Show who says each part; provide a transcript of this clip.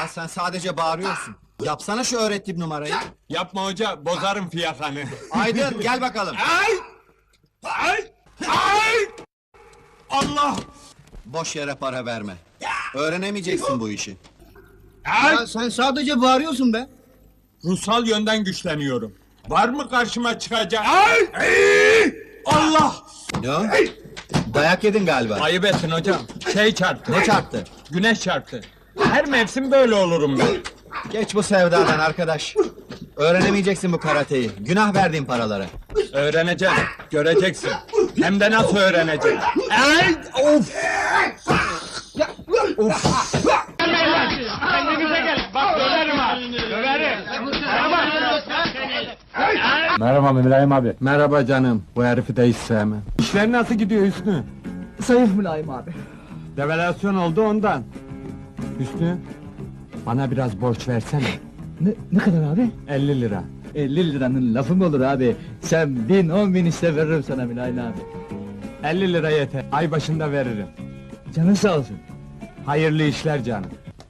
Speaker 1: sen sadece bağırıyorsun. Yapsana şu öğrettiğim numarayı.
Speaker 2: Yapma hoca, bozarım fiyakanı.
Speaker 1: Aydın gel bakalım.
Speaker 2: Ay! Ay! Ay! Allah!
Speaker 1: Boş yere para verme. Öğrenemeyeceksin bu işi.
Speaker 2: Ay!
Speaker 3: Sen sadece bağırıyorsun be.
Speaker 2: Ruhsal yönden güçleniyorum. Var mı karşıma çıkacak? Ay! Ay! Allah!
Speaker 1: Ne o? Dayak yedin galiba.
Speaker 2: Ayıp ettin hocam. Şey çarptı.
Speaker 1: Ne çarptı?
Speaker 2: Güneş çarptı. Her mevsim böyle olurum ben.
Speaker 1: Geç bu sevdadan arkadaş. Öğrenemeyeceksin bu karateyi. Günah verdiğin paralara.
Speaker 2: Öğreneceğim, göreceksin. Hem de nasıl öğreneceğim. Ay! Of!
Speaker 4: Kendinize gelin. Bak döverim ha. Döverim.
Speaker 2: Merhaba Mülayim abi. Merhaba canım. Bu herifi de hiç sevmem. İşler nasıl gidiyor Hüsnü?
Speaker 3: Zayıf Mülayim abi.
Speaker 2: Devalüasyon oldu ondan. Hüsnü, bana biraz borç versene.
Speaker 3: Ne kadar abi?
Speaker 2: 50 lira.
Speaker 3: 50 liranın lafı mı olur abi? Sen 1000 10.000 iste veririm sana Mülayim abi.
Speaker 2: 50 lira yeter. Ay başında veririm.
Speaker 3: Canın sağ olsun.
Speaker 2: Hayırlı işler canım.